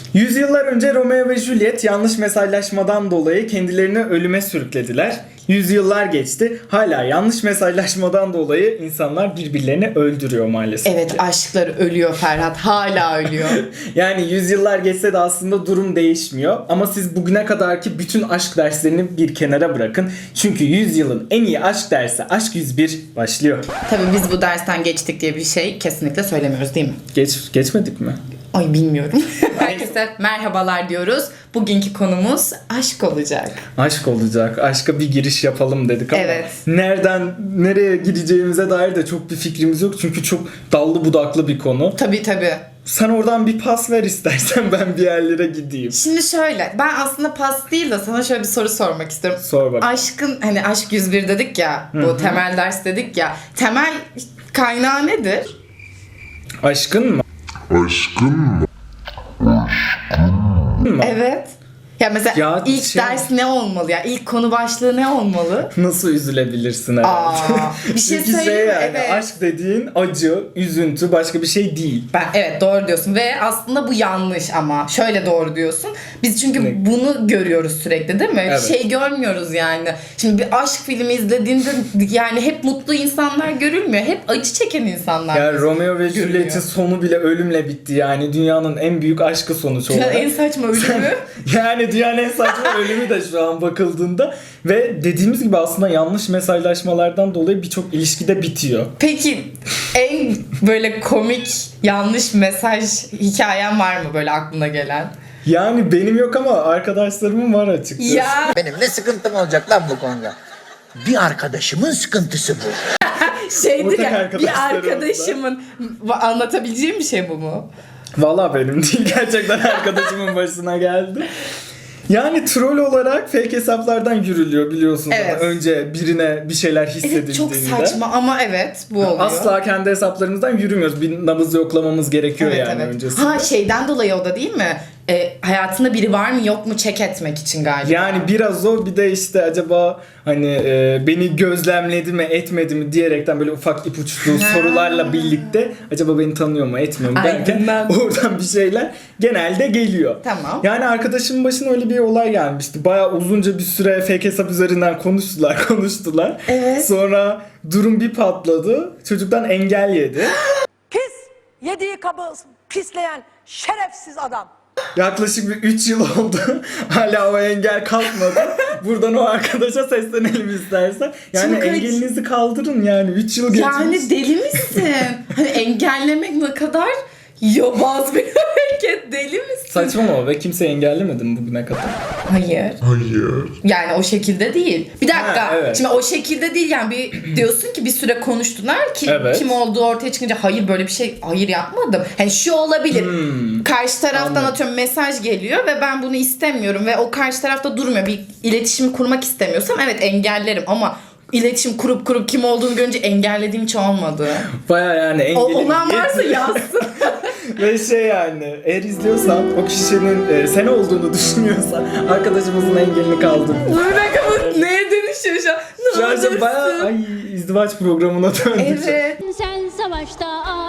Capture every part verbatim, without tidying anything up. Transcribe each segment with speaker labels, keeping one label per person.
Speaker 1: Yüzyıllar önce Romeo ve Juliet yanlış mesajlaşmadan dolayı kendilerini ölüme sürüklediler. Yüzyıllar geçti. Hala yanlış mesajlaşmadan dolayı insanlar birbirlerini öldürüyor maalesef.
Speaker 2: Evet, aşkları ölüyor Ferhat. Hala ölüyor.
Speaker 1: Yani yüzyıllar geçse de aslında durum değişmiyor. Ama siz bugüne kadarki bütün aşk derslerini bir kenara bırakın. Çünkü yüzyılın en iyi aşk dersi Aşk yüz bir başlıyor.
Speaker 2: Tabii biz bu dersten geçtik diye bir şey kesinlikle söylemiyoruz değil mi?
Speaker 1: Geç, geçmedik mi?
Speaker 2: Ay bilmiyorum. Herkese merhabalar diyoruz. Bugünkü konumuz aşk olacak.
Speaker 1: Aşk olacak. Aşka bir giriş yapalım dedik ama
Speaker 2: Evet.
Speaker 1: nereden nereye gideceğimize dair de çok bir fikrimiz yok. Çünkü çok dallı budaklı bir konu.
Speaker 2: Tabii tabii.
Speaker 1: Sen oradan bir pas ver istersen, ben bir yerlere gideyim.
Speaker 2: Şimdi şöyle, ben aslında pas değil de sana şöyle bir soru sormak istiyorum.
Speaker 1: Sor bak.
Speaker 2: Aşkın, hani aşk yüz bir dedik ya, bu
Speaker 1: Hı hı.
Speaker 2: temel ders dedik ya. Temel kaynağı nedir?
Speaker 1: Aşkın mı?
Speaker 3: Aşkın mı?
Speaker 1: mı?
Speaker 2: Evet. Ya mesela
Speaker 1: Ya
Speaker 2: ilk
Speaker 1: şey-
Speaker 2: ders ne olmalı ya? İlk konu başlığı ne olmalı?
Speaker 1: Nasıl üzülebilirsin herhalde?
Speaker 2: Aa, bir şey
Speaker 1: Çünkü
Speaker 2: söyleyeyim mi?
Speaker 1: yani,
Speaker 2: Evet.
Speaker 1: aşk dediğin acı, üzüntü, başka bir şey değil.
Speaker 2: Ben, evet doğru diyorsun ve aslında bu yanlış ama şöyle doğru diyorsun. Biz çünkü
Speaker 1: Ne?
Speaker 2: bunu görüyoruz sürekli değil mi?
Speaker 1: Evet.
Speaker 2: Şey görmüyoruz yani. Şimdi bir aşk filmi izlediğinde yani hep mutlu insanlar görülmüyor. Hep acı çeken insanlar.
Speaker 1: Yani Romeo ve
Speaker 2: görülüyor.
Speaker 1: Juliet'in sonu bile ölümle bitti yani. Dünyanın en büyük aşkı sonuç olarak.
Speaker 2: en saçma ölümü.
Speaker 1: Yani dünyanın en saçma ölümü de şu an bakıldığında. Ve dediğimiz gibi aslında yanlış mesajlaşmalardan dolayı birçok ilişkide bitiyor.
Speaker 2: Peki en böyle komik yanlış mesaj hikayen var mı böyle aklına gelen?
Speaker 1: Yani benim yok ama arkadaşlarımın var açıkçası.
Speaker 2: Ya
Speaker 4: Benim ne sıkıntım olacak lan bu konuda? Bir arkadaşımın sıkıntısı bu.
Speaker 2: şeydir
Speaker 1: Ortak
Speaker 2: ya bir
Speaker 1: arkadaşlarımız
Speaker 2: arkadaşımın anlatabileceğim bir şey bu mu?
Speaker 1: Valla benim değil, gerçekten arkadaşımın başına geldi. Yani troll olarak fake hesaplardan yürülüyor biliyorsunuz.
Speaker 2: Evet.
Speaker 1: Ama önce birine bir şeyler hissedildiğinde.
Speaker 2: Evet çok saçma ama evet bu oluyor.
Speaker 1: Asla kendi hesaplarımızdan yürümüyoruz. Bir nabız yoklamamız gerekiyor
Speaker 2: Evet,
Speaker 1: yani
Speaker 2: evet.
Speaker 1: öncesinde.
Speaker 2: Ha şeyden dolayı o da değil mi? E, hayatında biri var mı yok mu check etmek için galiba.
Speaker 1: Yani biraz o, bir de işte acaba hani e, beni gözlemledi mi etmedi mi diyerekten böyle ufak ipuçlu sorularla birlikte acaba beni tanıyor mu etmiyor mu derken
Speaker 2: Aynen.
Speaker 1: oradan bir şeyler genelde geliyor.
Speaker 2: Tamam.
Speaker 1: Yani arkadaşımın başına öyle bir olay gelmişti. Bayağı uzunca bir süre fake hesap üzerinden konuştular konuştular.
Speaker 2: Evet.
Speaker 1: Sonra durum bir patladı. Çocuktan engel yedi.
Speaker 5: Pis, yediği kabı pisleyen şerefsiz adam.
Speaker 1: Yaklaşık bir üç yıl oldu. Hala o engel kalkmadı. Buradan o arkadaşa seslenelim istersen. Yani
Speaker 2: Çok acı.
Speaker 1: engelinizi kaldırın yani. üç yıl geçmiş.
Speaker 2: Yani deli misin? Hani engellemek ne kadar yobaz bir hareket, deli misin?
Speaker 1: Saçmalama ve kimse engellemedi mi bugüne kadar?
Speaker 2: Hayır.
Speaker 3: Hayır.
Speaker 2: Yani o şekilde değil. Bir dakika.
Speaker 1: Ha, evet.
Speaker 2: Şimdi o şekilde değil yani bir diyorsun ki bir süre konuştular ki
Speaker 1: Evet.
Speaker 2: kim olduğu ortaya çıkınca hayır böyle bir şey hayır yapmadım. Hani şu olabilir.
Speaker 1: Hmm.
Speaker 2: Karşı taraftan
Speaker 1: Anladım.
Speaker 2: atıyorum mesaj geliyor ve ben bunu istemiyorum ve o karşı tarafta durmuyor. Bir iletişimi kurmak istemiyorsam evet engellerim ama iletişim kurup kurup kim olduğunu görünce engellediğim hiç olmadı.
Speaker 1: Baya yani
Speaker 2: O,
Speaker 1: engelin
Speaker 2: olan varsa
Speaker 1: yetmiyor.
Speaker 2: yazsın.
Speaker 1: Ve şey yani eğer izliyorsan o kişinin e, sen olduğunu düşünüyorsan arkadaşımızın engelini kaldır.
Speaker 2: Bir dakika bu neye dönüşüyor şu an? Ne
Speaker 1: Şu an
Speaker 2: olursun?
Speaker 1: bayağı ay, izdivaç programına döndük.
Speaker 2: Evet.
Speaker 6: Sen savaşta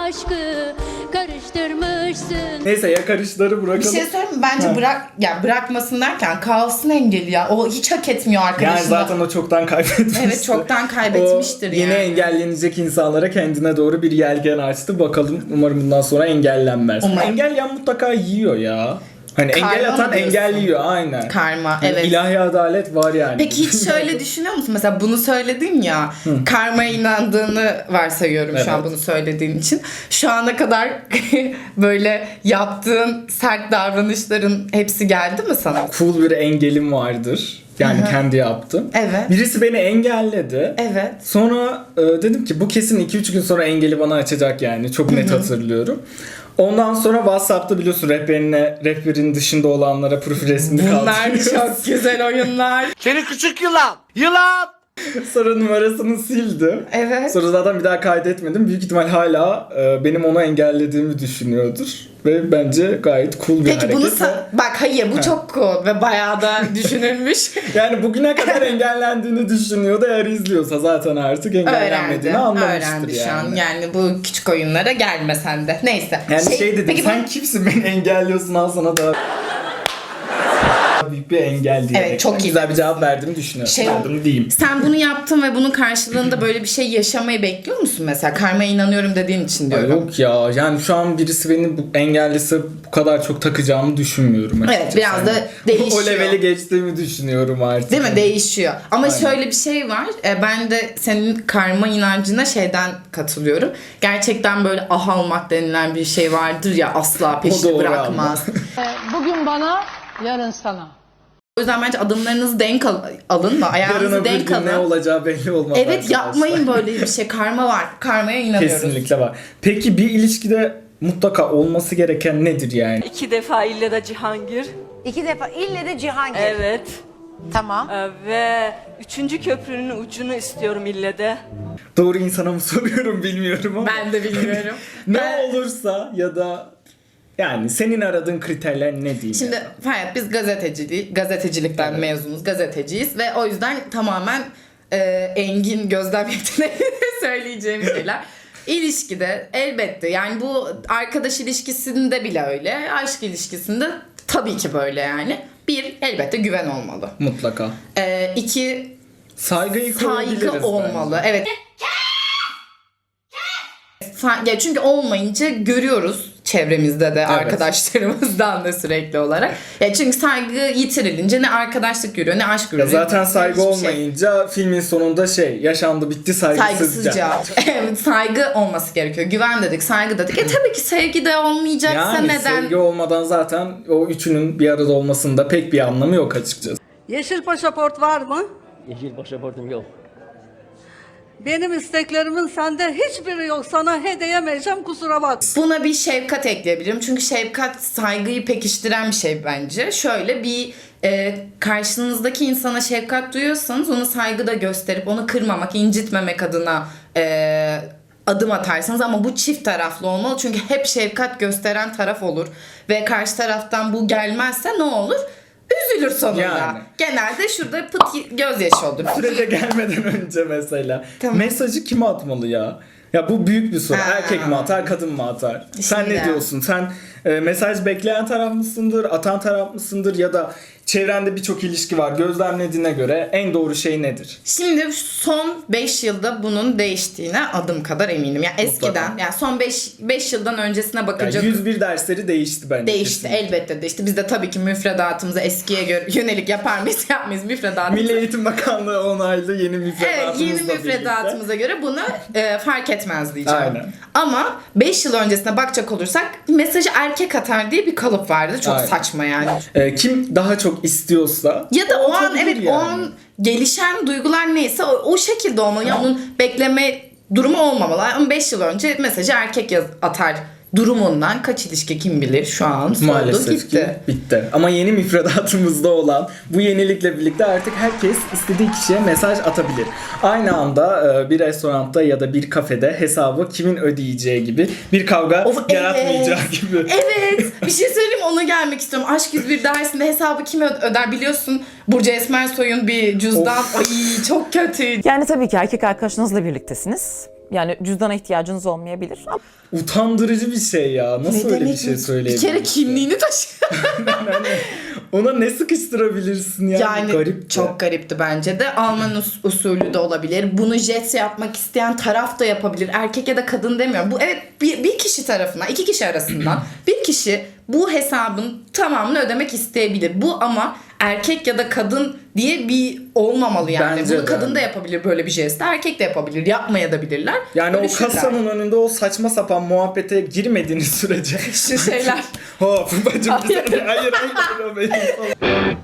Speaker 6: aşkı karıştırmışsın.
Speaker 1: Neyse yakarışları
Speaker 2: Bir
Speaker 1: bırakalım.
Speaker 2: şey söyleyeyim mi? Bence
Speaker 1: Ha.
Speaker 2: bırak ya bırakmasın derken kalsın engeli ya. O hiç hak etmiyor arkadaşına.
Speaker 1: Yani zaten o çoktan kaybetmişti.
Speaker 2: Evet çoktan kaybetmiştir
Speaker 1: o yeni
Speaker 2: yani.
Speaker 1: engellenecek insanlara kendine doğru bir yelken açtı. Bakalım umarım bundan sonra engellenmez.
Speaker 2: Umarım.
Speaker 1: Engelleyen mutlaka yiyor ya. Hani
Speaker 2: Karma
Speaker 1: engel atan
Speaker 2: mı diyorsun?
Speaker 1: engel yiyor aynen.
Speaker 2: Karma
Speaker 1: Hani
Speaker 2: evet.
Speaker 1: İlahi adalet var yani.
Speaker 2: Peki hiç şöyle düşünüyor musun? Mesela bunu söyledin ya. Karmaya inandığını varsayıyorum şu an
Speaker 1: Evet.
Speaker 2: bunu söylediğin için. Şu ana kadar böyle yaptığın sert davranışların hepsi geldi mi sana?
Speaker 1: Cool bir engelim vardır. Yani
Speaker 2: Hı hı.
Speaker 1: kendi yaptım.
Speaker 2: Evet.
Speaker 1: Birisi beni engelledi.
Speaker 2: Evet.
Speaker 1: Sonra e, dedim ki bu kesin iki üç gün sonra engeli bana açacak yani. Çok net hatırlıyorum. Ondan sonra WhatsApp'ta biliyorsun rehberine, rehberin dışında olanlara profil resmini
Speaker 2: Bunlar
Speaker 1: kaldırıyoruz.
Speaker 2: çok güzel oyunlar.
Speaker 4: Seni küçük yılan! Yılan!
Speaker 1: Sonra numarasını sildim.
Speaker 2: Evet.
Speaker 1: Sonra zaten bir daha kaydetmedim. Büyük ihtimal hala e, benim onu engellediğimi düşünüyordur. Ve bence gayet cool bir
Speaker 2: Peki
Speaker 1: hareket.
Speaker 2: bunu
Speaker 1: ve-
Speaker 2: sa- bak hayır bu çok cool ve bayağı da düşünülmüş.
Speaker 1: Yani bugüne kadar engellendiğini düşünüyordu. Eğer izliyorsa zaten artık
Speaker 2: Öğrendi.
Speaker 1: engellenmediğini anlamıştır
Speaker 2: Öğrendi
Speaker 1: yani.
Speaker 2: şu an. Yani bu küçük oyunlara gelme sen de. Neyse.
Speaker 1: Yani şey, dedim
Speaker 2: peki
Speaker 1: sen
Speaker 2: bu-
Speaker 1: kimsin beni engelliyorsun, al sana da büyük bir engel diye.
Speaker 2: Evet, çok iyi.
Speaker 1: Güzel bir cevap verdiğimi düşünüyorum.
Speaker 2: Şey-
Speaker 1: Verdim diyeyim.
Speaker 2: Sen bunu yaptın ve bunun karşılığında böyle bir şey yaşamayı bekliyor musun mesela? Karmaya inanıyorum dediğin için
Speaker 1: Ay
Speaker 2: diyorum.
Speaker 1: yok ya, yani şu an birisi beni bu- engellese bu kadar çok takacağımı düşünmüyorum açıkçası.
Speaker 2: Evet, biraz da
Speaker 1: Yani
Speaker 2: değişiyor.
Speaker 1: O leveli geçtiğimi düşünüyorum artık.
Speaker 2: Değil mi? Değişiyor. Ama
Speaker 1: Aynen.
Speaker 2: şöyle bir şey var. E, Ben de senin karma inancına şeyden katılıyorum. Gerçekten böyle ah almak denilen bir şey vardır ya, asla peşini
Speaker 1: doğru
Speaker 2: bırakmaz.
Speaker 5: Bugün bana, yarın sana.
Speaker 2: O yüzden bence adımlarınızı denk al- alın mı?
Speaker 1: Yarın
Speaker 2: Ayağınızı
Speaker 1: öbür
Speaker 2: denk
Speaker 1: gün
Speaker 2: alın.
Speaker 1: ne olacağı belli olmaz.
Speaker 2: Evet,
Speaker 1: arkadaşlar.
Speaker 2: yapmayın böyle bir şey. Karma var. Karmaya inanıyoruz.
Speaker 1: Kesinlikle var. Peki bir ilişkide mutlaka olması gereken nedir yani?
Speaker 3: İki defa ille de Cihangir.
Speaker 5: İki defa ille de Cihangir.
Speaker 3: Evet.
Speaker 5: Tamam.
Speaker 3: Ee, ve üçüncü köprünün ucunu istiyorum ille de.
Speaker 1: Doğru insana mı soruyorum bilmiyorum ama.
Speaker 2: Ben de bilmiyorum.
Speaker 1: Ne
Speaker 2: Ben-
Speaker 1: olursa ya da yani senin aradığın kriterler ne diyeyim?
Speaker 2: Şimdi
Speaker 1: yani?
Speaker 2: hayat biz gazeteciliği, gazetecilikten mezunuz, gazeteciyiz ve o yüzden tamamen e, engin gözlem yeteneğiyle söyleyeceğim şeyler. İlişkide elbette yani bu arkadaş ilişkisinde bile öyle, aşk ilişkisinde tabii ki böyle yani. Bir, elbette güven olmalı.
Speaker 1: Mutlaka.
Speaker 2: E, iki,
Speaker 1: Saygıyı koruyabiliriz
Speaker 2: saygı olmalı.
Speaker 1: bence.
Speaker 2: Evet. Sa- ya çünkü olmayınca görüyoruz çevremizde de arkadaşlarımızdan da sürekli olarak. Ya çünkü saygı yitirilince ne arkadaşlık görüyor ne aşk
Speaker 1: Ya
Speaker 2: görüyor.
Speaker 1: zaten saygı
Speaker 2: hiçbir şey.
Speaker 1: olmayınca filmin sonunda şey yaşandı bitti saygısızca.
Speaker 2: Saygısızca. Evet, saygı olması gerekiyor. Güven dedik, saygı dedik. E tabii ki sevgi de olmayacaksa
Speaker 1: Yani
Speaker 2: neden?
Speaker 1: sevgi olmadan zaten o üçünün bir arada olmasında pek bir anlamı yok açıkçası.
Speaker 7: Yeşil pasaport var mı?
Speaker 8: Yeşil pasaportum yok.
Speaker 7: Benim isteklerimin sende hiçbiri yok. Sana hediyemeyeceğim, kusura bak.
Speaker 2: Buna bir şefkat ekleyebilirim. Çünkü şefkat saygıyı pekiştiren bir şey bence. Şöyle bir e, karşınızdaki insana şefkat duyuyorsanız onu saygı da gösterip onu kırmamak, incitmemek adına e, adım atarsınız. Ama bu çift taraflı olmalı. Çünkü hep şefkat gösteren taraf olur. Ve karşı taraftan bu gelmezse ne olur? Üzülür sonunda.
Speaker 1: Yani.
Speaker 2: Genelde şurada pıt gözyaşı olur.
Speaker 1: Sürece gelmeden önce mesela
Speaker 2: Tamam.
Speaker 1: mesajı kime atmalı ya? Ya bu büyük bir soru.
Speaker 2: Ha.
Speaker 1: Erkek mi atar, kadın mı atar? Sen
Speaker 2: Şimdi.
Speaker 1: ne diyorsun? Sen e, mesaj bekleyen taraf mısındır, atan taraf mısındır ya da çevrende birçok ilişki var. Gözlemlediğine göre en doğru şey nedir?
Speaker 2: Şimdi son beş yılda bunun değiştiğine adım kadar eminim. Yani eskiden yani son beş yıldan öncesine
Speaker 1: Yani
Speaker 2: bakacak
Speaker 1: yüz bir dersleri değişti bence.
Speaker 2: değişti.
Speaker 1: kesinlikle.
Speaker 2: Elbette değişti. Biz de tabii ki müfredatımıza eskiye göre yönelik yapar mıyız yapmayız müfredatımıza.
Speaker 1: Milli Eğitim Bakanlığı onaylı yeni
Speaker 2: Evet,
Speaker 1: müfredatımızla
Speaker 2: yeni
Speaker 1: birlikte.
Speaker 2: müfredatımıza göre bunu e, fark etmez diyeceğim.
Speaker 1: Aynen.
Speaker 2: Ama beş yıl öncesine bakacak olursak mesajı erkek atar diye bir kalıp vardı. Çok
Speaker 1: Aynen.
Speaker 2: saçma yani.
Speaker 1: E, kim daha çok istiyorsa
Speaker 2: Ya da o an
Speaker 1: atabilir
Speaker 2: evet
Speaker 1: yani.
Speaker 2: o an gelişen duygular neyse o, o şekilde olmalı. Yani onun bekleme durumu olmamalı. Ama beş yıl önce mesajı erkek yaz, atar durumundan kaç ilişki kim bilir şu an soldu
Speaker 1: Maalesef
Speaker 2: gitti.
Speaker 1: ki bitti. Ama yeni müfredatımızda olan bu yenilikle birlikte artık herkes istediği kişiye mesaj atabilir. Aynı anda e, bir restoranda ya da bir kafede hesabı kimin ödeyeceği gibi bir kavga
Speaker 2: Of,
Speaker 1: yaratmayacağı
Speaker 2: evet.
Speaker 1: gibi.
Speaker 2: Evet. Bir şey söyleyeyim mi? Ona gelmek istiyorum. Aşk yüz bir dersinde hesabı kim ö- öder biliyorsun. Burcu Esmersoy'un bir cüzdan.
Speaker 1: Of.
Speaker 2: Ay çok kötüydü.
Speaker 9: Yani tabii ki erkek arkadaşınızla birliktesiniz. Yani cüzdana ihtiyacınız olmayabilir. Ama
Speaker 1: Utandırıcı bir şey ya. Nasıl öyle bir
Speaker 2: demek
Speaker 1: şey
Speaker 2: mi? Bir
Speaker 1: söyleyebilirsin?
Speaker 2: kere kimliğini taşı.
Speaker 1: Ona ne sıkıştırabilirsin ya?
Speaker 2: Yani
Speaker 1: Garip.
Speaker 2: çok garipti bence de. Alman us- usulü de olabilir. Bunu jet yapmak isteyen taraf da yapabilir. Erkek ya da kadın demiyorum. Bu evet bir, bir kişi tarafından, iki kişi arasından bir kişi bu hesabın tamamını ödemek isteyebilir. Bu ama erkek ya da kadın diye bir olmamalı yani.
Speaker 1: Bence
Speaker 2: Bunu
Speaker 1: de.
Speaker 2: kadın da yapabilir böyle bir jesti. Erkek de yapabilir. Yapmaya da bilirler.
Speaker 1: Yani o
Speaker 2: Bölüşürler.
Speaker 1: kasanın önünde o saçma sapan muhabbete girmediğiniz sürece.
Speaker 2: Şu şeyler.
Speaker 1: Hop bacım bir
Speaker 2: Hayır.
Speaker 1: saniye. Hayır hayır. o benim falan.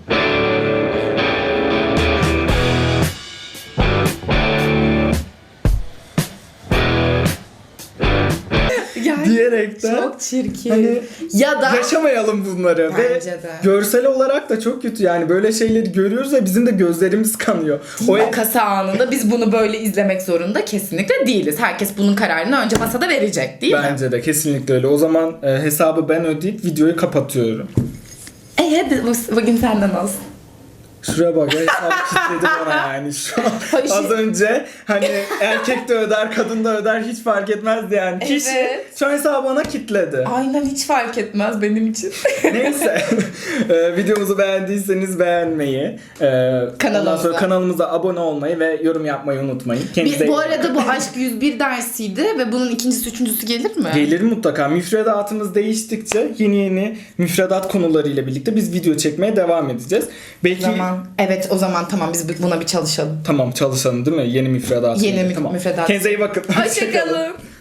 Speaker 2: Yani
Speaker 1: diye diyerekten.
Speaker 2: Çok çirkin.
Speaker 1: Hani
Speaker 2: ya da
Speaker 1: yaşamayalım bunları ve
Speaker 2: Bence de.
Speaker 1: görsel olarak da çok kötü yani böyle şeyleri görüyoruz ve bizim de gözlerimiz kanıyor. O
Speaker 2: kasa anında biz bunu böyle izlemek zorunda kesinlikle değiliz. Herkes bunun kararını önce masada verecek değil mi?
Speaker 1: bence de kesinlikle öyle. O zaman e, hesabı ben ödeyip videoyu kapatıyorum.
Speaker 2: E hadi bu- bugün senden olsun.
Speaker 1: Şuraya bak ya, hesabı kilitledi bana yani şu an.
Speaker 2: Hayır.
Speaker 1: Az önce hani erkek de öder kadın da öder hiç fark etmezdi yani. Kişi
Speaker 2: Evet.
Speaker 1: şu an hesabı bana kilitledi.
Speaker 2: Aynen hiç fark etmez benim için.
Speaker 1: Neyse e, videomuzu beğendiyseniz beğenmeyi, e, ondan sonra kanalımıza abone olmayı ve yorum yapmayı unutmayın. Kendinize
Speaker 2: Bir, bu
Speaker 1: iyi bakın.
Speaker 2: arada bu Aşk yüz bir dersiydi ve bunun ikincisi üçüncüsü gelir mi?
Speaker 1: Gelir mutlaka. Müfredatımız değiştikçe yeni yeni müfredat konularıyla birlikte biz video çekmeye devam edeceğiz. Belki
Speaker 2: Zaman. Evet o zaman tamam biz buna bir çalışalım.
Speaker 1: tamam çalışalım değil mi? Yeni müfredat.
Speaker 2: Yeni mü-
Speaker 1: tamam.
Speaker 2: müfredat.
Speaker 1: Kendinize iyi bakın.
Speaker 2: Hoşçakalın.